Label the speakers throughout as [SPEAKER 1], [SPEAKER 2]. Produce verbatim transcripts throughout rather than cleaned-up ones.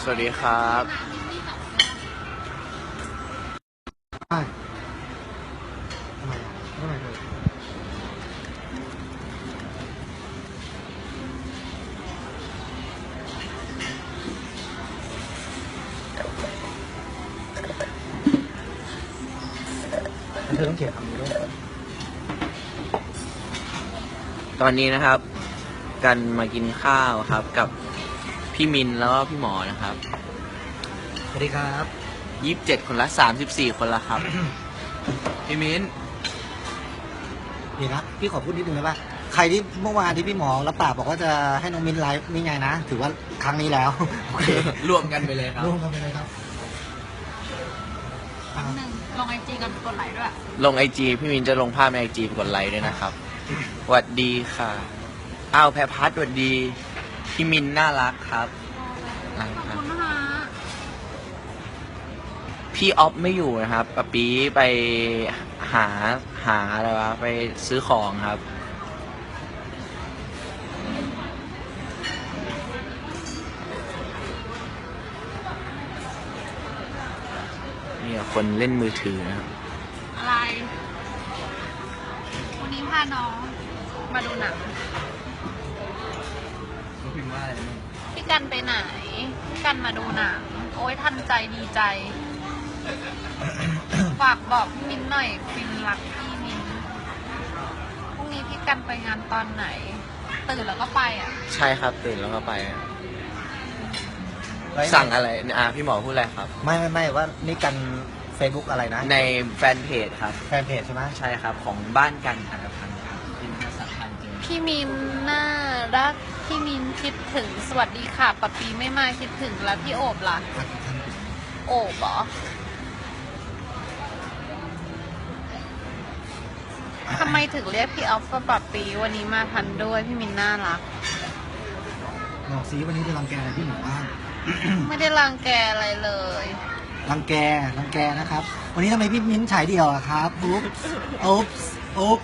[SPEAKER 1] วัสดีครับ
[SPEAKER 2] ใช่ทำไมทำไมเลยเธอต้องเขียนคำนี้ด้วย
[SPEAKER 1] ตอนนี้นะครับกันมากินข้าวครับกับพี่มินแล้วก็พี่หมอนะครับ
[SPEAKER 2] สวัสดีครับ
[SPEAKER 1] ยี่สิบเจ็ดคนละสามสิบสี่คนละครับ พี่มิน
[SPEAKER 2] เดี๋ยวนะพี่ขอพูดนิดนึงได้ป่ะใครที่เมื่อวานที่พี่หมอรับปากบอกว่าจะให้น้องมินไลฟ์นี่ไงนะถือว่าครั้งนี้แล้วโอเค
[SPEAKER 1] รวมกันไปเลยครับ
[SPEAKER 2] รวมกันไปเลยครับ
[SPEAKER 3] หนึ่งลงไอจีกันกดไลค์ด้วย
[SPEAKER 1] ลงไอจีพี่มินจะลงภาพในไอจีกดไลค์ด้วยนะครับสวัสดีค่ะอ้าวแพรพัฒน์สวัสดีพี่มินน่ารักครับ
[SPEAKER 3] ขอบคุณนะคะ
[SPEAKER 1] พี่ออฟไม่อยู่นะครับปะปีไปหาหาอะไรวะไปซื้อของครับนี่คนเล่นมือถือนะครับ
[SPEAKER 3] อะไรวันนี้พาน้องมาดูหนัง
[SPEAKER 1] เขาพิมพ์ว่าอะไรมั้ง
[SPEAKER 3] พี่กันไปไหนพี่กันมาดูหนังโอ้ยทันใจดีใจฝากบอกพี่มินหน่อยฟินรักพี่มินพรุ่งนี้พี่กันไปงานตอนไหนตื่นแล้วก็ไปอ่ะ
[SPEAKER 1] ใช่ครับตื่นแล้วก็ไปสั่งอะไรอ่ะพี่หมอพูดอะไรครับ
[SPEAKER 2] ไม่ไม่ไม่ว่านี่กัน Facebook อะไรนะ
[SPEAKER 1] ในแฟนเพจครับ
[SPEAKER 2] แฟนเพจใช่ไหม
[SPEAKER 1] ใช่ครับของบ้านกันธนาคารครับเป็นภาษาไทยจริง
[SPEAKER 3] พี่มินน่ารักพี่มินคิดถึงสวัสดีค่ะปะปีไม่มาคิดถึงแล้วพี่โอบล่ะโอบเหรอทำไมถึงเรียกพี่ออฟว่าปะปีวันนี้มาทันด้วยพี่มินน่ารัก
[SPEAKER 2] บอกซีวันนี้จะรังแกอะไรพี่หนูบ้าง
[SPEAKER 3] ไม่ได้รังแกอะไรเลย
[SPEAKER 2] รังแกรังแกนะครับวันนี้ทำไมพี่มิ้นฉายเดี่ยวอะครับอุ๊บอุ๊บอุ๊บ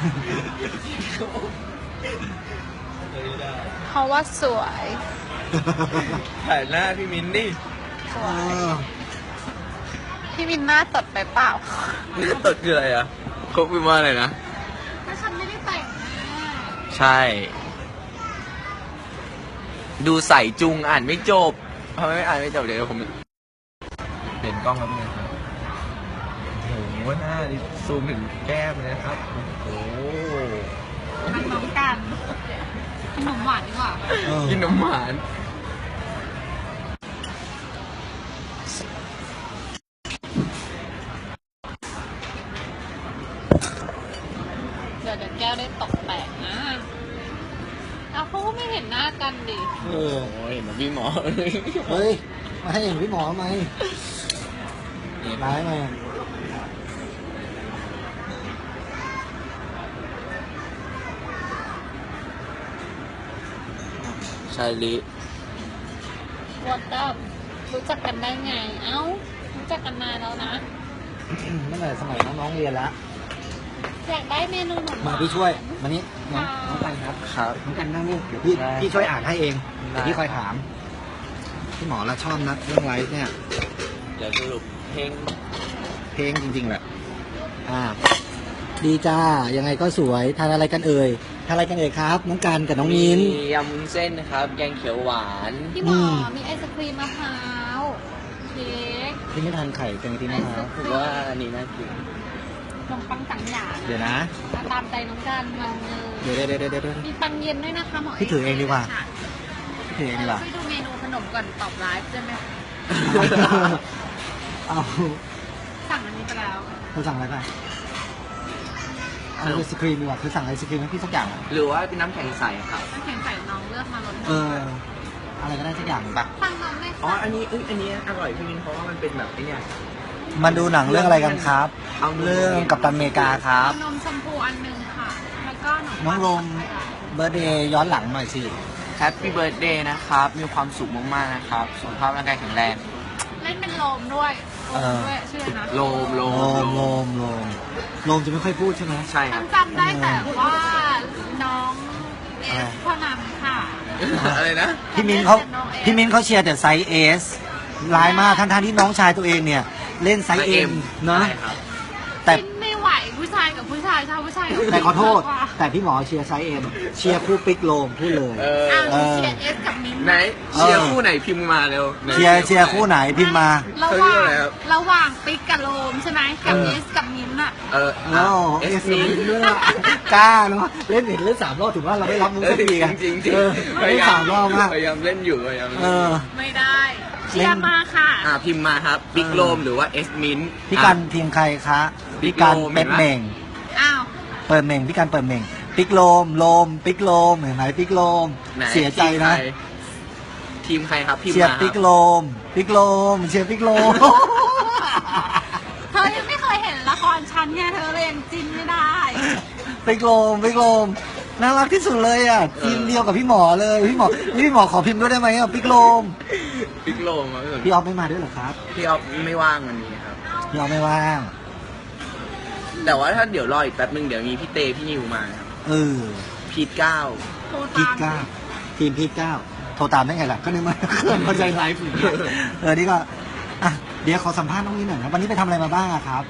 [SPEAKER 3] เพราะว่าสวย
[SPEAKER 1] ถ่ายหน้าพี่มินดิ
[SPEAKER 3] สวยพี่มินหน้าตดไปเปล่า
[SPEAKER 1] หน้าตดคืออะไรอ่ะเขาพิมพ์ว่าอะไรนะ
[SPEAKER 3] ถ้าฉันไม่ได้แต่ง
[SPEAKER 1] ใช่ดูใส่จุงอ่านไม่จบทำไมไม่อ่านไม่จบเดี๋ยวผมเปลี่ยนกล้องแล้วเป็นไงครับโอ้โหหน้าซูมถึงแก้มเลยนะครับโอ้
[SPEAKER 3] มันน้องกันขนมหวานดีกว่า
[SPEAKER 1] กินนมหวาน
[SPEAKER 3] เดี๋ยวเดี๋ยวแก้วได้ตกแตกนะเอาเขาก็ไม่เห็นหน้ากันดิ
[SPEAKER 2] เออ
[SPEAKER 1] เห็นพี่หมอ
[SPEAKER 2] เฮ้ยมาให้เห็นพี่หมอทำไมร้ายมา
[SPEAKER 1] ชายลิ
[SPEAKER 3] วัดดับรู้จักกันได้ไงเอ้ารู้จักกันนานแล้วนะ
[SPEAKER 2] ตั้งแต่สมัยน้องๆเรียนแล้ว
[SPEAKER 3] อยากได้เมนูหนู
[SPEAKER 2] มาพี่ช่วยมานี้น้องน้องกันครับ
[SPEAKER 1] ครับ
[SPEAKER 2] น้องกันนั่งนี่เดี๋ยวพี่พี่ช่วยอ่านให้เองเดี๋ยวพี่คอยถามพี่หมอละชอบนะเรื่องไลฟ์เนี่ย
[SPEAKER 1] เดี๋ยวสรุปเพลง
[SPEAKER 2] เพลงจริงๆแหละอ่าดีจ้ายังไงก็สวยทานอะไรกันเอ่ยทานอะไรกันเอ่ยครับน้องกันกับน้องมิน
[SPEAKER 1] มียำวุ้นเส้นนะครับแกงเขียวหวาน
[SPEAKER 3] พี่หมอมีไอศครีมมะพร้าวเค้ก
[SPEAKER 2] พี่ไม่ทานไข่แกงตีมะพร้าว
[SPEAKER 1] ผมว่าอันนี้น่ากิน
[SPEAKER 3] ขนมปังสังหยา
[SPEAKER 2] เดี๋ยวนะ
[SPEAKER 3] ตามใจน้องกันมัน
[SPEAKER 2] เดี๋ยวเดี๋ยวเดี๋ยวเดี๋ยว
[SPEAKER 3] มีปังเย็นด้วยนะคะหมอ
[SPEAKER 2] พี่ถือเองดีกว่าพี่ถือเองดีกว่า
[SPEAKER 3] ช่วยดูเมนูขนมก่อนตอบไลฟ์ได้ไหม
[SPEAKER 2] เอา
[SPEAKER 3] สั่งอันนี้ไปแล้ว
[SPEAKER 2] เธอสั่งอะไรไปเอาไอศครีมดีกว่าเธอสั่งไอศครีมให้พี่สักอย่าง
[SPEAKER 1] หรือว่าเป็นน้ำแข็งใสครับ
[SPEAKER 3] น้ำแข็งใสน้องเลือกมาลด
[SPEAKER 2] เอออะไรก็ได้สักอย่างปะ
[SPEAKER 3] สั่งน้องไหม
[SPEAKER 1] อ๋ออันนี้เอ้ยอันนี้อร่อยพี่มินเพราะว่ามันเป็นแบบไอ้นี่
[SPEAKER 2] มาดูหนังเรื่องอะไรกันครับเรื่องกัปตันอเมริกาครับ
[SPEAKER 3] นมชมพูอันนึงค่ะแล้วก็
[SPEAKER 2] น้องลมเบอร์เดย์ย้อนหลังหน่อยสิ
[SPEAKER 1] แฮปปี้เบิร์ดเดย์นะครับมีความสุขมากๆนะครับสุขภาพร่างกายแข็งแรง
[SPEAKER 3] เล่นเป็นโลมด้วยโลมด้วยชื่อนะ
[SPEAKER 1] โลมโล
[SPEAKER 2] มโลมโลมโลมจะไม่ค่อยพูดใช่ไหม
[SPEAKER 1] ใช่ครับ
[SPEAKER 3] จำได้แต่ว่าน้องเอฟพ่อนำค่ะ
[SPEAKER 1] อะไรนะ
[SPEAKER 2] พี่มิ้นเขาพี่มิ้นเขาเชียร์แต่ไซส์เอสร้ายมากทั้งๆที่น้องชายตัวเองเนี่ย เล่นไซส์เอ็มเนาะ
[SPEAKER 1] ใช่ครับ
[SPEAKER 2] แต่
[SPEAKER 3] กินไม่ไหวผู้ชายกับผู้ชายชาวผู้ชายกับผู้ชาย
[SPEAKER 2] แต่ขอโทษ แต่พี่หมอเชียร์ไซส์เอ็มเชียร์คู่ปิกโลมพูดเลย
[SPEAKER 1] เออ
[SPEAKER 3] อ้าวหนูเชียร์เอสกับมิ้นท์
[SPEAKER 1] ไหนเชียร์คู่ไหนพิมพ์มาเร็วไหน
[SPEAKER 2] เชียร์เชียร์คู่ไหนพิมพ์มา
[SPEAKER 3] ระห
[SPEAKER 1] เขาเรี
[SPEAKER 3] ว่าย ง
[SPEAKER 1] กอะไรครับ
[SPEAKER 3] ระหว่างปิ๊กกับโลมใช่ไหมกับ
[SPEAKER 2] เออ
[SPEAKER 3] เอสกับมิ้นท์อะ
[SPEAKER 1] เออ
[SPEAKER 2] โอ้เอสมินด้วยอะกล้าเนาะเล่นเห็นเล่นสามรอบถือว่าเราไม่รับมุก
[SPEAKER 1] เออ
[SPEAKER 2] สักทีกัน
[SPEAKER 1] จริงๆจริง
[SPEAKER 2] เออ
[SPEAKER 1] พยา
[SPEAKER 2] เล่น
[SPEAKER 1] ยาม
[SPEAKER 2] สามรอบมาก
[SPEAKER 1] พยายามเล่นอยู่พยายาม
[SPEAKER 2] เออ
[SPEAKER 3] ไม่ได้เชียร์มาค่ะ
[SPEAKER 1] อ่าพิมพ์มาครับบิ๊กโลมหรือว่าเอสมิน
[SPEAKER 2] พี่กันทีมใครคะพี่กัน
[SPEAKER 1] โลม
[SPEAKER 2] เป็ดเหม่ง
[SPEAKER 3] อ้าว
[SPEAKER 2] เปิดเหม่งพี่กันเปิดเหม่งปิกโลมโลมปิกโลมเห็นไหมปิกโลม
[SPEAKER 1] ไหน
[SPEAKER 2] เสียใจนะ
[SPEAKER 1] ทีมใครครับพิมพ์
[SPEAKER 2] เชียร์
[SPEAKER 1] มาค
[SPEAKER 2] ปิ
[SPEAKER 1] รั
[SPEAKER 2] ก
[SPEAKER 1] บ
[SPEAKER 2] โลมปิกโลมเชียร์ปิกโลม
[SPEAKER 3] เธอยังไม่เคยเห็นละครฉันไงเธอเลยยังจิ้นไม่ได้
[SPEAKER 2] ปิกโลมปิกโลมน่ารักที่สุดเลยอ่ะทีมเดียวกับพี่หมอเลยพี่หมอพี่หมอขอพิมพ์ด้วยได้ไหมอ่ะปิกโลม
[SPEAKER 1] บิ๊กโลมครับ
[SPEAKER 2] พี่ออฟไม่มาด้วยเหรอครับ
[SPEAKER 1] พี่ออฟไม่ว่างวันนี้ครับ
[SPEAKER 2] พี่ออฟไม่ว่าง
[SPEAKER 1] แต่ว่าถ้าเดี๋ยวรออีกแป๊บนึงเดี๋ยวมีพี่เตพี่นิวมาครับ
[SPEAKER 2] เออ
[SPEAKER 1] พีทเก้า
[SPEAKER 3] โทร
[SPEAKER 2] พี
[SPEAKER 3] ตา
[SPEAKER 2] ท
[SPEAKER 3] ม
[SPEAKER 2] เก้าทีมพีทเก้าโทรตามได้ไงล่ะก็นึกว่าเครื่องเข้าใจไลฟ์อยู่เนี่ยเออนี่ก็อ่ะเดี๋ยวขอสัมภาษณ์น้องนี้หน่อยครับวันนี้ไปทำอะไรมาบ้างอะครับ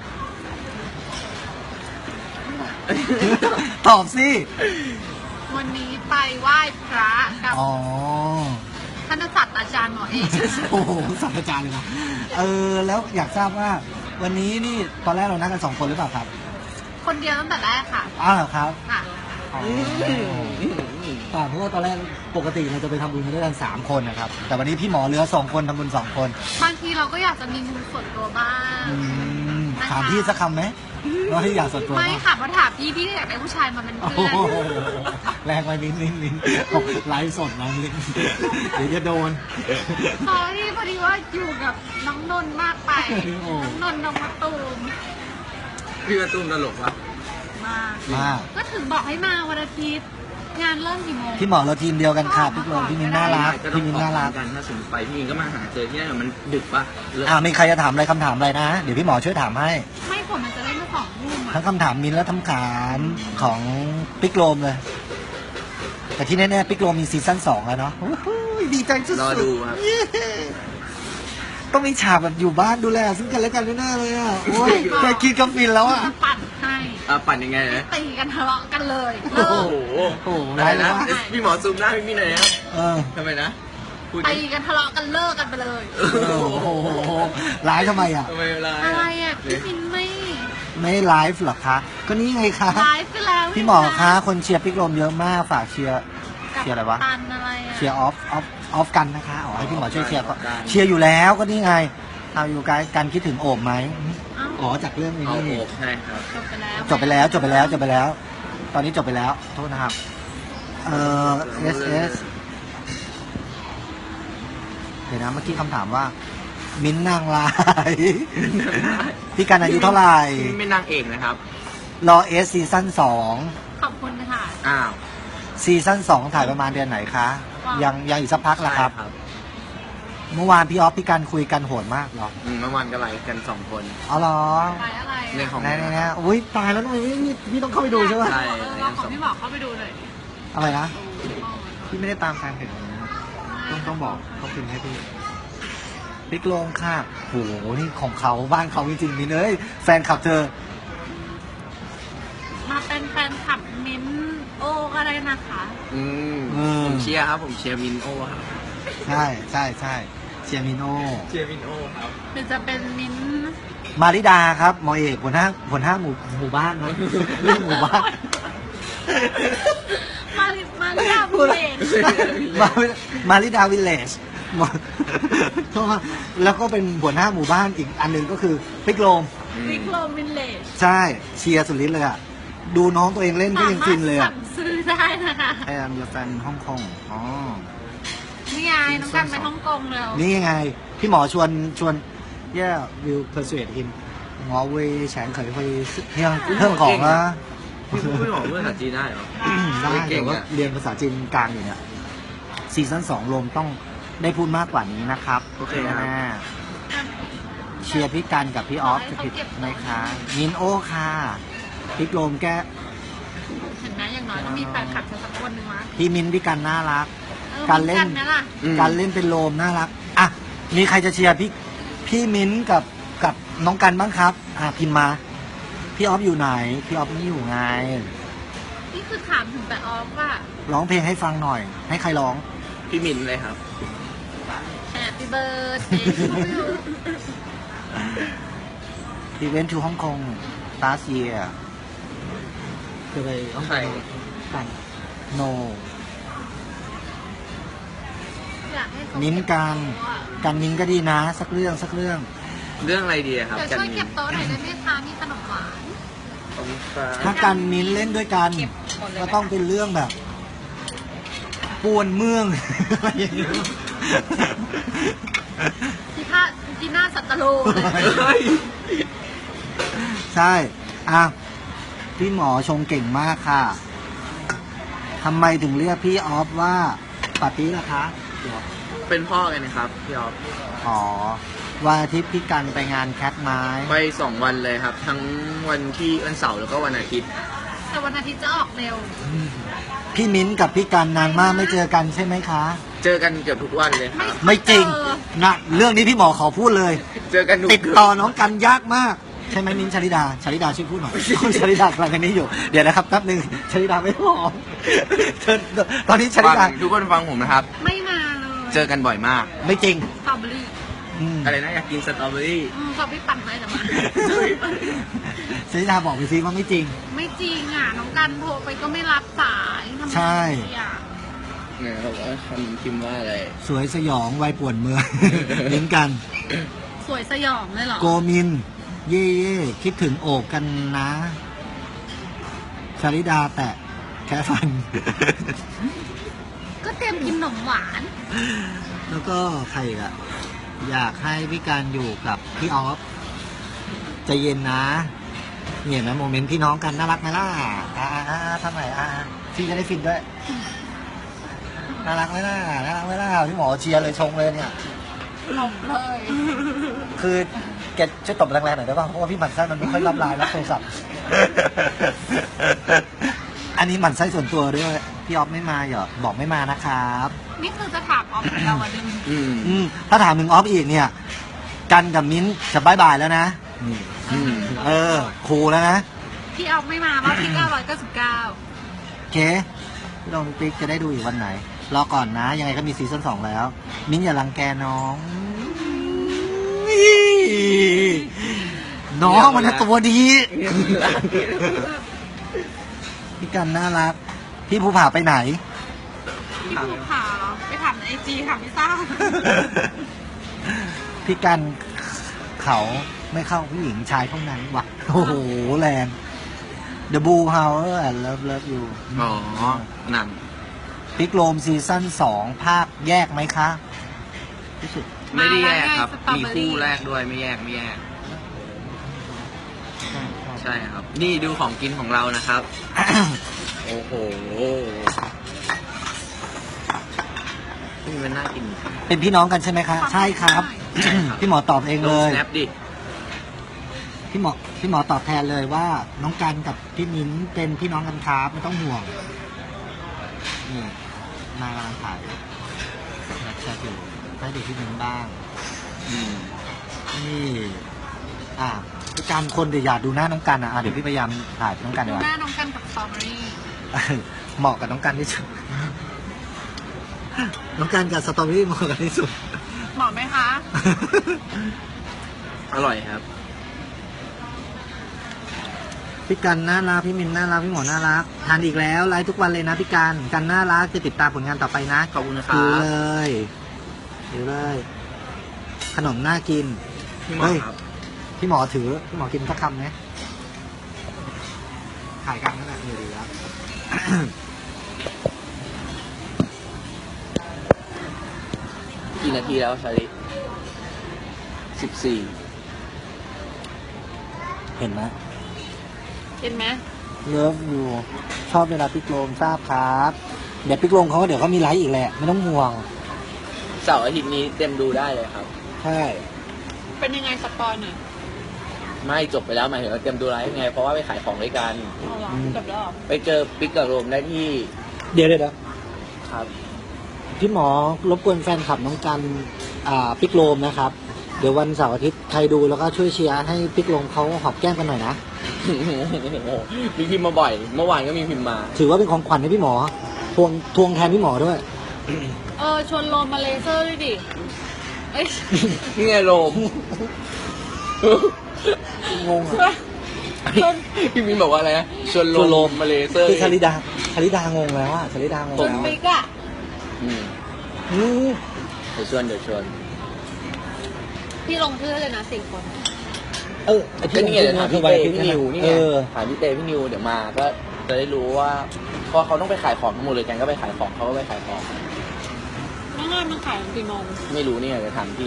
[SPEAKER 2] ตอบสิ
[SPEAKER 3] วันนี้ไปไหว้พระกับ
[SPEAKER 2] อ๋อ
[SPEAKER 3] ท่านศาสตราจารย์หมอเอก
[SPEAKER 2] โอ้โหศาสตราจารย์เลยนะเออแล้วอยากทราบว่า วันนี้นี่ตอนแรกเรานัดกันสองคนหรือเปล่าครับ
[SPEAKER 3] คนเดียวตั้งแต่แรกค่ะ
[SPEAKER 2] อ้าวเหรอครับ
[SPEAKER 3] ค่ะ
[SPEAKER 2] อ๋ออ่าเพราะว่าตอนแรกปกติเราจะไปทำบุญกันด้วยกันสามคนนะครับแต่วันนี้พี่หมอเหลือสองคนทำบุญสองคน
[SPEAKER 3] บางทีเราก็อยากจะมีมุมส่วนตัวบ้าง
[SPEAKER 2] อืมถามพี่สักคำไหมว่าที่อยากส่วนตัว
[SPEAKER 3] ไม่
[SPEAKER 2] บ้าง
[SPEAKER 3] ค่ะเพราะถามพี่พี่ก็อยากได้ผู้ชายมาเป็น
[SPEAKER 2] โอ้
[SPEAKER 3] เพื่อน
[SPEAKER 2] โหแรงไปลิ้นลิ้นลิ้นไลฟ์สดนะลิ้นเดี๋ยวจะโดน
[SPEAKER 3] ตอนที่พอดีว่าอยู่กับน้องนนท์มากไป
[SPEAKER 2] โอ้
[SPEAKER 3] น้องนนท์น้องมะตูม
[SPEAKER 1] พี่กระตุ้มตลกวะ
[SPEAKER 3] มา
[SPEAKER 2] มา
[SPEAKER 3] ก็ถึงบอกให้มาวันอาทิตย์ งานเริ่มกี่โมง
[SPEAKER 2] พี่หมอเราทีมเดียวกันค่ะพี่โลพี่มินน่ารัก
[SPEAKER 1] ก็ต้อ
[SPEAKER 2] พี่
[SPEAKER 1] ง
[SPEAKER 2] มิน
[SPEAKER 1] ออก
[SPEAKER 2] น่ารัก
[SPEAKER 1] กันถ้าสมมติไปพี่มินก็มาหาเจอที่นั่นมันดึกปะเลิก
[SPEAKER 2] อ่ามีใครจะถามอะไรคำถามอะไรนะ เดี๋ยวพี่หมอช่วยถามให้
[SPEAKER 3] ไม่ผมมันจะเล่นมาสองทุ่ม
[SPEAKER 2] ทั้
[SPEAKER 3] อ่ะ
[SPEAKER 2] งคำถามมินและคำถามของปิกโลมเลย แต่ที่แน่ๆปิกโลมมีซีซั่นสองแล้วเนาะโอ้โหดีใจสุดๆ
[SPEAKER 1] รอดูครับ
[SPEAKER 2] เย้ต้องมีฉากแบบอยู่บ้านดูแลซึ่งกันและกันแน่ๆเลยอ่ะโอ้ยแค่คิดก็ฟินแล้วอ่ะ
[SPEAKER 3] จะปั่นให้
[SPEAKER 1] อ่ะปั่นยังไงนะ
[SPEAKER 3] ตีกันทะเลาะกันเลย
[SPEAKER 2] โอ้
[SPEAKER 3] เลิ
[SPEAKER 2] โห
[SPEAKER 3] ก
[SPEAKER 1] โอ้โห
[SPEAKER 2] โอ้โห
[SPEAKER 1] อะไรนะ
[SPEAKER 2] ร้ายเลย
[SPEAKER 1] พี่หมอซูมหน้าพี่มินหน่อยนะครับ
[SPEAKER 2] เออ
[SPEAKER 1] ทำไมนะพูด
[SPEAKER 3] ตี
[SPEAKER 1] ดิ
[SPEAKER 3] กันทะเลาะกันเลิกกันไปเลย
[SPEAKER 2] โอ้โหร้ายทำไมอ่ะ
[SPEAKER 1] ทำไมเวลา
[SPEAKER 3] อะไรอ่ะพี่มินไม่
[SPEAKER 2] ไม่ไลฟ์หรอคะ ก็นี่ไงคะ
[SPEAKER 3] ไลฟ์ไปแล้ว
[SPEAKER 2] พี่หมอคะคนเชียร์ปิกโลมเยอะมากฝากเชียร์ เชียร์อะไรวะ
[SPEAKER 3] ตันอะไรอ่ะ
[SPEAKER 2] เชียร์ออฟออฟออฟกันนะคะอ๋อให้พี่หมอช่วยเชียร์ก็เชียร์อยู่แล้วก็นี่ไงเอาอยู่กันกันคิดถึงโอบไหม
[SPEAKER 3] เอ้า
[SPEAKER 2] อ๋อจากเรื่องนี้
[SPEAKER 1] เอา
[SPEAKER 2] นี่
[SPEAKER 1] โอบใช่ครับ
[SPEAKER 3] จบไปแล้ว
[SPEAKER 2] จบไปแล้วจบไปแล้วจบไปแล้ว ตอนนี้จบไปแล้วโทษนะครับเอ่อ เอส เอส เดี๋ยวนะเมื่อกี้คำถามว่า มิ้นท์นางลาย พี่กันอายุเท่าไหร่
[SPEAKER 1] ไม่นางเอกนะครับ
[SPEAKER 2] รอเอสซีซั่นสอง
[SPEAKER 3] ขอบคุณค่ะ
[SPEAKER 1] อ้าว
[SPEAKER 2] ซีซั่นสองถ่ายประมาณเดือนไหนคะ
[SPEAKER 3] ว้าว
[SPEAKER 2] ยังยังอีกสักพักละครับ
[SPEAKER 1] ใช่
[SPEAKER 2] เมื่อวานพี่ออฟพี่กันคุยกันโหดมากเหรอ
[SPEAKER 1] อืมเมื่อวานก็ไลฟ์กันสองคน
[SPEAKER 2] อ๋อเหรอ
[SPEAKER 3] ไปอะไร
[SPEAKER 1] เรื่องของ
[SPEAKER 2] ไหนไหนๆๆอุ้ยตายแล้วทำไมไม่พี่พี่ต้องเข้าไปดูใช่ไหม
[SPEAKER 1] ใช่
[SPEAKER 3] เออเราของพี่บอกเข้าไปดูหน่อยดิ
[SPEAKER 2] อะไรนะ
[SPEAKER 3] โอ้โห
[SPEAKER 2] พี่ไม่ได้ตามแฟนเพจเลยนะต้องต้องบอกเขาพิมพ์ให้พี่พิกโลงค่ะโหนี่ของเขาบ้านเขาจริงๆนี่เลยแฟนคลับเธอ
[SPEAKER 3] มาเป็นแฟนคลับมิ้นท์โอก็ได้นะคะ
[SPEAKER 1] อืม
[SPEAKER 2] อืม
[SPEAKER 1] ผมเชียร์ครับ ผมเชียร์มินโอครับ
[SPEAKER 2] ใช่ใช่ใช่เชียร์มิโน
[SPEAKER 1] เชียร์มินโอครับ
[SPEAKER 3] หรือจะเป็นมิ้นท์
[SPEAKER 2] มาริดาครับหมอเอกหัวหน้าหัวหน้าหมู่หมู่บ้านนะเรื่องหมู่บ้าน
[SPEAKER 3] มาริมาริยาบุเรน
[SPEAKER 2] มามาริดาวิลเลจแล้วก็เป็นหัวหน้าหมู่บ้านอีกอันหนึ่งก็คือพิกโลม
[SPEAKER 3] วิกโลวินเลจ
[SPEAKER 2] ใช่เชียร์สุดฤทธิ์เลยอ่ะ ดูน้องตัวเองเล่นก็ยังฟินเลย
[SPEAKER 3] สา
[SPEAKER 2] อ่ะ
[SPEAKER 3] มารถสั่งซื้อได้นะคะ
[SPEAKER 2] ไอ am your fan ฮ่องกงอ๋อ
[SPEAKER 3] นี่ไงน้องกันไปฮ่องกงแล้ว
[SPEAKER 2] นี่ยังไง พี่หมอชวนชวน yeah will persuade him หมอเวยแฉงเขยไปเรื่องเรื่องของนะ
[SPEAKER 1] พี่พูดไม่บอกเรื่องภาษาจีนได้เหรอ
[SPEAKER 2] ได้
[SPEAKER 1] เก่
[SPEAKER 2] แต่
[SPEAKER 1] ง
[SPEAKER 2] ว่า
[SPEAKER 1] อะ
[SPEAKER 2] เรียนภาษาจีนกลางอยู่เนี่ยซีซั่นสองรวมต้องได้พูดมากกว่านี้นะครับ
[SPEAKER 1] โอเคครับ
[SPEAKER 2] แน่เชียร์พี่กันกับพี่ออฟจะผิดไหมคะมินโอค่ะพี่โกลมแก
[SPEAKER 3] เห็นไหมอย่างน้อยต้องมีแฟนคลับสักคนหนึ่งวะ
[SPEAKER 2] พี่มินพี่กันน่ารัก
[SPEAKER 3] ออ
[SPEAKER 2] การเล่น
[SPEAKER 3] หมือไหมล่ะ
[SPEAKER 1] อืม
[SPEAKER 2] การเล่นเป็นโลมน่ารักอ่ะมีใครจะเชียร์พี่พี่มิ้นท์กับกับน้องกันบ้างครับ อ่ะพิมพ์มา พี่ออฟอยู่ไหน พี่ออฟไม่อยู่ไง
[SPEAKER 3] นี่คือถามถึงแต่ออฟว่า
[SPEAKER 2] ร้องเพลงให้ฟังหน่อย ให้ใครร้อง
[SPEAKER 1] พี่มินเลยครับ
[SPEAKER 3] Happy birthday to you
[SPEAKER 2] He went to Hong Kong last year คือไปฮ่องก
[SPEAKER 1] ใคร
[SPEAKER 2] งกัน no
[SPEAKER 3] อยากให้เขา
[SPEAKER 2] มิ้นท์กันกันมิ้นท์ก็ดีนะ สักเรื่องสักเรื่อง
[SPEAKER 1] เรื่องอะไรดีอะครับ
[SPEAKER 3] เดี๋ยว
[SPEAKER 1] กัน
[SPEAKER 3] ช่วย
[SPEAKER 1] มิ
[SPEAKER 3] เก็
[SPEAKER 1] น
[SPEAKER 3] บโต๊ะหน่อยได้ไหมคะมีขนมหวาน
[SPEAKER 1] ขอบคุณครับ
[SPEAKER 2] ถ้ากันมิ้นท์เล่นด้วยกัน
[SPEAKER 3] เก็บหมดเลยไหม
[SPEAKER 2] ก็ต้องเป็นเรื่องแบบป่วนเมือง อะไรอย่างเงี้ย
[SPEAKER 3] ที่ท่าที่หน้าสัตตโลเลย
[SPEAKER 1] เฮ้ย
[SPEAKER 2] ใช่อ่ะพี่หมอชงเก่งมากค่ะทำไมถึงเรียกพี่ออฟว่าปาร์ตี้ล่ะคะเดี๋ยว
[SPEAKER 1] เป็นพ่อกันนะครับพี่ออฟ
[SPEAKER 2] อ๋อวันอาทิตย์พี่กันไปงานแคทไม้
[SPEAKER 1] ไปสองวันเลยครับ ทั้งวันที่วันเสาร์แล้วก็วันอาทิตย์
[SPEAKER 3] แต่วันอาทิตย์จะออกเร็ว
[SPEAKER 2] พี่มิ้นท์กับพี่กันนานมากไม่เจอกันใช่ไหมคะ
[SPEAKER 1] เจอกันเกือบทุกวันเลยครับ
[SPEAKER 2] ไม่จริงนะเรื่องนี้พี่หมอขอพูดเลย
[SPEAKER 1] เจอกันทุก
[SPEAKER 2] ติดต่อน้องกันยากมาก ใช่ไหมมิ้นท์ชลิดาชลิดาช่วยพูดหน่อยคุณชลิดากำลังกันนี้อยู่เดี๋ยวนะครับแป๊บหนึงชลิดาไม่พร้อมเธอตอนนี้ชลิ
[SPEAKER 1] ฟัง
[SPEAKER 2] ดา
[SPEAKER 1] ทุกคนฟังผมนะครับ
[SPEAKER 3] ไม่มาเลย
[SPEAKER 1] เจอกันบ่อยมาก
[SPEAKER 2] ไม่จริง
[SPEAKER 3] สตรอเบอรี่
[SPEAKER 2] อืม
[SPEAKER 1] อะไรนะอยากกินสตรอเบอรี่
[SPEAKER 3] อืมเขาไปปั่นให้แต่มา
[SPEAKER 2] ชลิดาบอกไปซิว่าไม่จริง
[SPEAKER 3] ไม่จริงอ่ะ น้องกันโทรไปก็ไม่รับสายทำไม
[SPEAKER 2] ใช่
[SPEAKER 3] ดีอ่ะ
[SPEAKER 1] เนี่ยเขาบอกว่าคำพิมพ์ว่าอะไร
[SPEAKER 2] สวยสยองวัยป่วนเมือง มิ้นท์กัน
[SPEAKER 3] สวยสยองเลยเหรอ
[SPEAKER 2] โกมิน เย่เย่คิดถึงโอบกันนะชลิดาแตะแค่ฟัน
[SPEAKER 3] ก็เตรียมกินขนมหวาน
[SPEAKER 2] แล้วก็ใครอีกอะอยากให้พี่การอยู่กับพี่ออฟใจเย็นนะเนี่ยเห็นไหมโมเมนต์พี่น้องกันน่ารักไหมล่ะอ่าอ่าอ่าทำไมอ่าพี่จะได้ฟินด้วยน่ารักไหมล่ะน่ารักไหมล่ะพี่หมอเชียร์เลยชงเลยเนี่ย
[SPEAKER 3] หลงเลย
[SPEAKER 2] คือแกช่วยตบแรงๆหน่อยได้ป่ะเพราะว่าพี่หมั่นไส้มันไม่ค่อยรับไลน์รับโทรศัพท์ อันนี้หมั่นไส้ส่วนตัวด้วยพี่ออฟไม่มาเหรอบอกไม่มานะครับ
[SPEAKER 3] นี่คือจะถามออฟเราอ่ะดึง
[SPEAKER 1] อืม
[SPEAKER 2] อืมถ้าถามถึงออฟอีกเนี่ย กันกับมิ้นท์จะบายบายแล้วนะนี่
[SPEAKER 1] อืม
[SPEAKER 2] เออครูแล้วนะ
[SPEAKER 3] พี่ออฟไม่มาว่าพี่เก้าร้อยเก้าสิบเก้า
[SPEAKER 2] โอเคพี่ลองปิ๊กจะได้ดูอีกวันไหน รอก่อนนะ ยังไงก็มีซีซั่นสองแล้ว มิ้นท์อย่ารังแกน้อง น้องมันนะตัวดี พี่กันน่ารัก พี่ภูผาไปไหน
[SPEAKER 3] พี่ภูผาเหรอไปถามในไอจีค่ะพี่ซ่า
[SPEAKER 2] พี่กันเขาไม่เข้าผู้หญิงชายเท่านั้นวะโอ้โห แรง The Blue House and Love Love You
[SPEAKER 1] อ๋อหนัง
[SPEAKER 2] พิกโลมซีซั่นสองภาคแยกไหมคะรู้สึก
[SPEAKER 1] ไม่ได้แยกครับ
[SPEAKER 3] มาแล้วไง
[SPEAKER 1] มีคู่แรกด้วยไม่แยกไม่แยก ใช่ครับ นี่ดูของกินของเรานะครับ โอ้โหนี่มันน่ากิน
[SPEAKER 2] เป็นพี่น้องกันใช่ไหมคะ ใช่ครับ พี่หมอตอบเอง
[SPEAKER 1] ล
[SPEAKER 2] เล
[SPEAKER 1] ง
[SPEAKER 2] ย
[SPEAKER 1] snap ดิ
[SPEAKER 2] พี่หมอพี่หมอตอบแทนเลยว่า น้องกันกับพี่มิ้นเป็นพี่น้องกันครับไม่ต้องห่วง นี่นายกำลังถ่ายนักแชทอยู่ให้ดูพี่มิ้นบ้าง
[SPEAKER 1] อืม
[SPEAKER 2] นี่ อ่ะพี่การคนเดี๋ยวอยากดูหน้าน้องกันนะอ่ะเดี๋ยวพี่พยายามถ่ายน้องกัน
[SPEAKER 3] ดู
[SPEAKER 2] ดีกว่า
[SPEAKER 3] หน้าน้องกันกับสตรอเบอรี่
[SPEAKER 2] เหมาะกับน้องกันที่สุด น้องกันกับสตรอเบอรี่เหมาะกันที่สุด
[SPEAKER 3] เหมาะไหมคะ
[SPEAKER 1] อร่อยครับ
[SPEAKER 2] พี่กันน่ารักพี่มินน่ารักพี่หมอน่ารักทานอีกแล้วไลฟ์ทุกวันเลยนะพี่กันกันน่ารักจะติดตามผลงานต่อไปนะ
[SPEAKER 1] ขอบคุณนะครั
[SPEAKER 2] ดู
[SPEAKER 1] บ
[SPEAKER 2] เลยดูเลย ขนมน่ากิน
[SPEAKER 1] พี่หมอ
[SPEAKER 2] เฮ้ย
[SPEAKER 1] ครับ
[SPEAKER 2] พี่หมอถือพี่หมอกินสักคำไหมถ่ายกันนั่นแหละอยู่ดีแล้ว
[SPEAKER 1] กี่นาทีแล้วชาลิสิบสี่
[SPEAKER 2] เห็นไหม
[SPEAKER 3] เห็นไหม
[SPEAKER 2] เลิฟอยู่ชอบเวลาพี่โกลมทราบครับเดี๋ยวพี่โกลมเขาก็เดี๋ยวเขามีไลฟ์อีกแหละไม่ต้องห่วง
[SPEAKER 1] เสาร์อาทิตย์นี้เต็มดูได้เลยครับ
[SPEAKER 2] ใช่
[SPEAKER 3] เป็นยังไงสปอยหน่อย
[SPEAKER 1] ไม่จบไปแล้วหมายถึงว่าเต็มดูไลฟ์ไง เพราะว่าไปขายของด้วยกัน
[SPEAKER 3] เอาเหรอจบแล้วเหรอ
[SPEAKER 1] ไปเจอปิ๊กกับโรมได้ที่
[SPEAKER 2] เดี๋ยวเดี๋ยวเดี๋ยว
[SPEAKER 1] ครับ
[SPEAKER 2] พี่หมอรบกวนแฟนคลับน้องกันอ่าปิกโลมนะครับ เดี๋ยววันเสาร์อาทิตย์ใครดูแล้วก็ช่วยเชียร์ให้ปิกโลมเขาหอมแก้มกันหน่อยนะ
[SPEAKER 1] มีพิมพ์มาบ่อย เมื่อวานก็มีพิมพ์มา
[SPEAKER 2] ถือว่าเป็นของขวัญให้พี่หมอทวงทวงแทนพี่หมอด้วย
[SPEAKER 3] เออชวนโลมมาเลเซอร์ด้วยดิเอ้ย
[SPEAKER 1] นี่ไงโรม
[SPEAKER 2] งงอ่ะ
[SPEAKER 1] พี่มินบอกว่าอะไรนะชวน
[SPEAKER 2] ชวนโร
[SPEAKER 1] โร
[SPEAKER 2] ม
[SPEAKER 1] มมาเลเซอร์
[SPEAKER 2] คือชาลิดาชาลิดางงแล้วอ่ะชาลิดางง
[SPEAKER 3] จุน
[SPEAKER 2] แล้ว
[SPEAKER 3] ปิกอะ
[SPEAKER 1] อืม
[SPEAKER 2] อืม
[SPEAKER 1] เดี๋ยวชวนเดี๋ยวชวน
[SPEAKER 3] พี่ลงชื่อเลยนะสี่คน
[SPEAKER 2] เออไอ้
[SPEAKER 1] ก็นี่ไงเดี๋ยวถามพี่
[SPEAKER 2] ไว้
[SPEAKER 1] เต้พี่นิวนี่
[SPEAKER 2] เอ
[SPEAKER 1] ไง
[SPEAKER 2] อ
[SPEAKER 1] ถามพี่เต้พี่นิวเดี๋ยวมาก็จะได้รู้ว่าพอเขาต้องไปขายของทั้งหมดเลยกันก็ไปขายของเขาก็ไปขายของ
[SPEAKER 3] แล้วงานมันขายกี่โมง
[SPEAKER 1] ไม่รู้เนี่ยเดี๋ยวถามพี่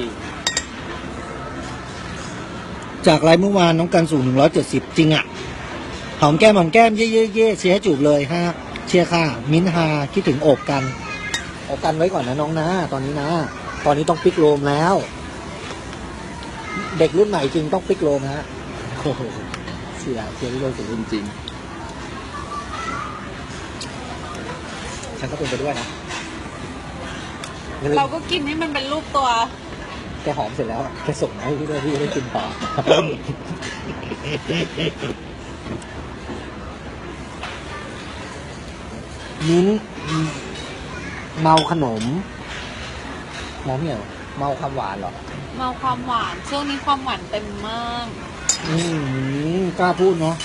[SPEAKER 2] จากไลฟ์เมื่อวานน้องกันสูงหนึ่งร้อยเจ็ดสิบจริงอ่ะหอมแก้มหอมแก้มเย่เย่เย่เชียร์ให้จูบเลยฮะเชียร์ค่ะ มิ้นท์ฮาคิดถึงโอบกันโอบกันไว้ก่อนนะน้องนะ ตอนนี้นะ ตอนนี้ต้องปิกโลมแล้ว เด็กรุ่นใหม่จริงต้องปิกโลมฮะโอ้โหเชียร์เชียร์ที่โลมสุด
[SPEAKER 1] จริง
[SPEAKER 2] ฉันก็เป็นไปด้วยนะ
[SPEAKER 3] เราก็กินให้มันเป็นรูปตัว
[SPEAKER 2] แกหอมเสร็จแล้วแกส่งมาให้พี่ด้วยพี่ได้กินต่อ มิ้นท์เมาขนมเมาเนี่ยเหรอเมาความหวานเหรอ
[SPEAKER 3] เมาความหวานช่วงนี้ความหวานเต็มมาก
[SPEAKER 2] อืมกล้าพูดเนาะ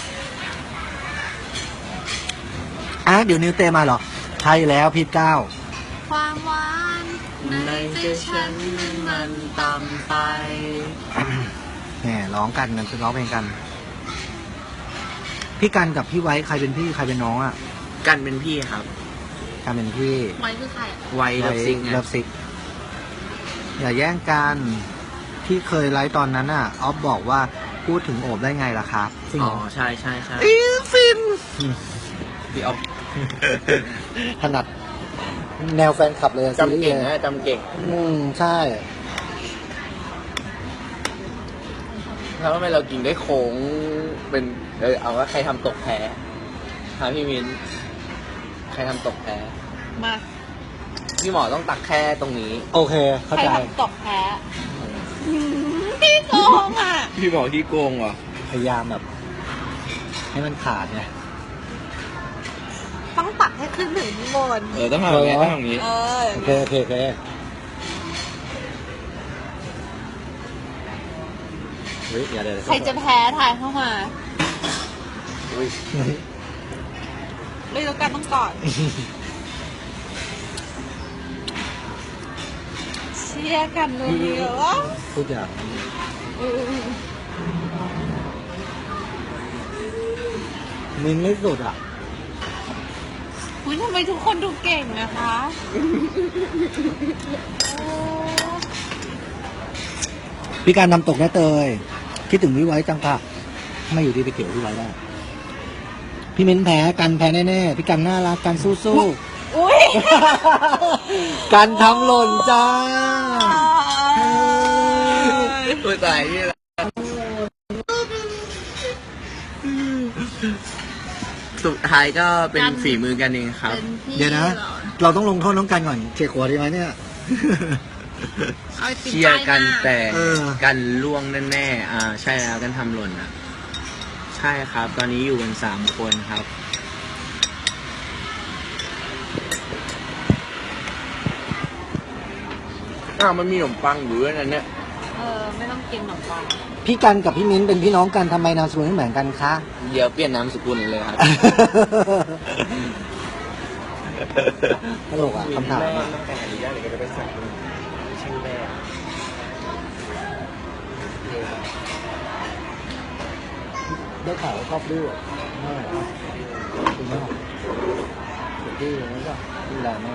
[SPEAKER 2] อ่ะเดี๋ยวนิวเตมาเหรอใช่แล้วพี่เก้า
[SPEAKER 3] ความหวานในใจฉันมันต่ำไป
[SPEAKER 2] แหมร้องกันกันร้องเพลงกัน พี่กันกับพี่ไว้ใครเป็นพี่ใครเป็นน้องอ่ะ
[SPEAKER 1] ๆกันเป็นพี่ครับ
[SPEAKER 2] กันเป็นพี่
[SPEAKER 3] ไว้คือใครอะ
[SPEAKER 1] ไวเลิฟซิงไง
[SPEAKER 2] เลิฟซิกอย่าแย่งกันที่เคยไลฟ์ตอนนั้นอ่ะออฟบอกว่าพูดถึงโอบได้ไงล่ะครับจริง
[SPEAKER 1] อ๋
[SPEAKER 2] เห
[SPEAKER 1] อ
[SPEAKER 2] รอ
[SPEAKER 1] ใช่ใช่ใช่
[SPEAKER 2] อีฟิน
[SPEAKER 1] พี่เอา
[SPEAKER 2] ถนัดแนวแฟนคลับเลยอะซีรี
[SPEAKER 1] จำ
[SPEAKER 2] ส์
[SPEAKER 1] เก่ง
[SPEAKER 2] เลย
[SPEAKER 1] นะจำเก่ง
[SPEAKER 2] อืมใช่
[SPEAKER 1] แล้วทำไมเรากินได้โค้งเป็นเออเอาว่าใครทำตกแพ้หาพี่มินใครทำตกแพ้
[SPEAKER 3] มา
[SPEAKER 1] พี่หมอต้องตักแค่ตรงนี้
[SPEAKER 2] โอเค เข้า
[SPEAKER 3] ใคร
[SPEAKER 2] ใจ
[SPEAKER 3] ทำตกแพ้หืมพี่โกงอ่ะ
[SPEAKER 1] พี่หมอที่โกงเหรอ
[SPEAKER 2] พยายามแบบ ให้มันขาดไง
[SPEAKER 3] ต้องตักให้ขึ้นถึงข้างบน
[SPEAKER 1] เออต้องทำอย่างนี้ต้องทำอย่างนี้
[SPEAKER 3] เออ
[SPEAKER 2] โอเคโอเคโอเคเฮ้ยอย่าเดี๋ยว
[SPEAKER 3] ใครจะแพ้ทายเข้ามา
[SPEAKER 1] อุ้ย
[SPEAKER 3] เลยแล้วกันต้องกอดเชียร์กันเลยเหรอ
[SPEAKER 2] พูดอย่าง
[SPEAKER 3] เออ
[SPEAKER 2] มินไม่สุดอ่ะ
[SPEAKER 3] อุ๊ยทำไมทุกคนดูเก่งนะคะโอ้
[SPEAKER 2] พี่การทำตกแน่เตยคิดถึงพี่ไว้จังค่ะไม่อยู่ดีไปเกี่ยวพี่ไว้ได้พี่มิ้นแพ้กันแพ้แน่ๆพี่กันน่ารักกันสู้
[SPEAKER 3] อุ๊ย
[SPEAKER 2] ๆ กันทำหล่นจ้า
[SPEAKER 1] ตัวตายนี่แหละสุดท้ายก็เป็นฝีมือกันเองครับ
[SPEAKER 3] เป็นพี่
[SPEAKER 2] เดี๋ยวนะ
[SPEAKER 3] หรอ
[SPEAKER 2] เราต้องลงโทษน้องกันก่อนเชียร์ขวดดีไหมเนี่ย
[SPEAKER 3] เอาไอติม
[SPEAKER 1] เชียร์กัน
[SPEAKER 3] ป้ายหา
[SPEAKER 1] แต่
[SPEAKER 2] เออ
[SPEAKER 1] กันล่วงแน่ๆอ่าใช่แล้วกันทำหล่นอ่ะ ใช่ครับ ตอนนี้อยู่กันสามคนครับ อ้าวมันมีขนมปังอยู่ด้วยนั่นเนี่ย
[SPEAKER 3] เออ ไม่ต้องกินขนมปัง
[SPEAKER 2] พี่กันกับพี่มิ้นเป็นพี่น้องกันทำไมนามสกุลไม่เหมือนกันคะ
[SPEAKER 1] เดี๋ยวเปลี่ยนนามสกุลเลยครับ
[SPEAKER 2] ตลกอ่ะคำถาม
[SPEAKER 1] แม่
[SPEAKER 2] อะ
[SPEAKER 1] ตั้งแต่อนุญาตเดี๋ยวก็จะไปสั่งชื่อแม่
[SPEAKER 2] ได้ข่าวว่าชอบดื้อแม่คุณแม่ดื้อแล้วก็ดูแลแม่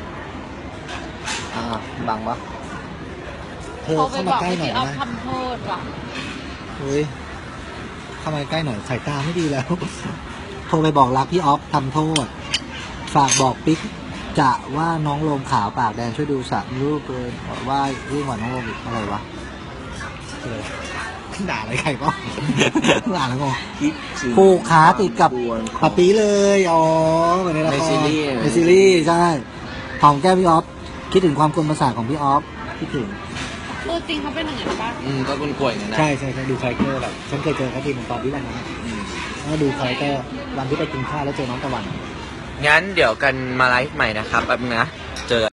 [SPEAKER 2] อ่าบังปะเธอ
[SPEAKER 3] โทรไป
[SPEAKER 2] เข้า
[SPEAKER 3] บ
[SPEAKER 2] มา
[SPEAKER 3] อก
[SPEAKER 2] ใกล้
[SPEAKER 3] ให้
[SPEAKER 2] หน่อย
[SPEAKER 3] พี่ออฟ
[SPEAKER 2] นะ
[SPEAKER 3] ทำโทษว่ะ
[SPEAKER 2] เฮ้ยเข้ามาใกล้หน่อยสายตาไม่ดีแล้ว โทรไปบอกรักพี่ออฟทำโทษ ฝากบอกปิ๊กจะว่าน้องโลมขาวปากแดงช่วยดูสักรูปเลยว่ารูปหวานน้องโลมอีกอะไรวะเออด่าอะไรใครก็ ด่าแล้วงง
[SPEAKER 1] คิดถึง
[SPEAKER 2] ผูกขาติดกับ
[SPEAKER 1] ควร
[SPEAKER 2] ปะปีเลย อ๋อเหมือนในละคร
[SPEAKER 1] ในซีรีส์
[SPEAKER 2] ในซีรีส์ใช่หอมแก้มพี่ออฟคิดถึงความกวนประสาทของพี่ออฟคิดถึง
[SPEAKER 3] ตัวจริงเขาเป็นอย่างนั้นปะ
[SPEAKER 1] อืมก็กล้วยๆอย่างนั้นนะ
[SPEAKER 2] ใช่ใช่ใช่ดูคาแรคเตอร์แบบฉันเคยเจอเขาทีหนึงตอนที่วันนั้น
[SPEAKER 1] อืม
[SPEAKER 2] แล้วดูคาแรคเตอร์วันที่ไปกินข้าวแล้วเจอน้องตะวัน
[SPEAKER 1] งั้นเดี๋ยวกันมาไลฟ์ใหม่นะครับแป๊บนึงนะเจอ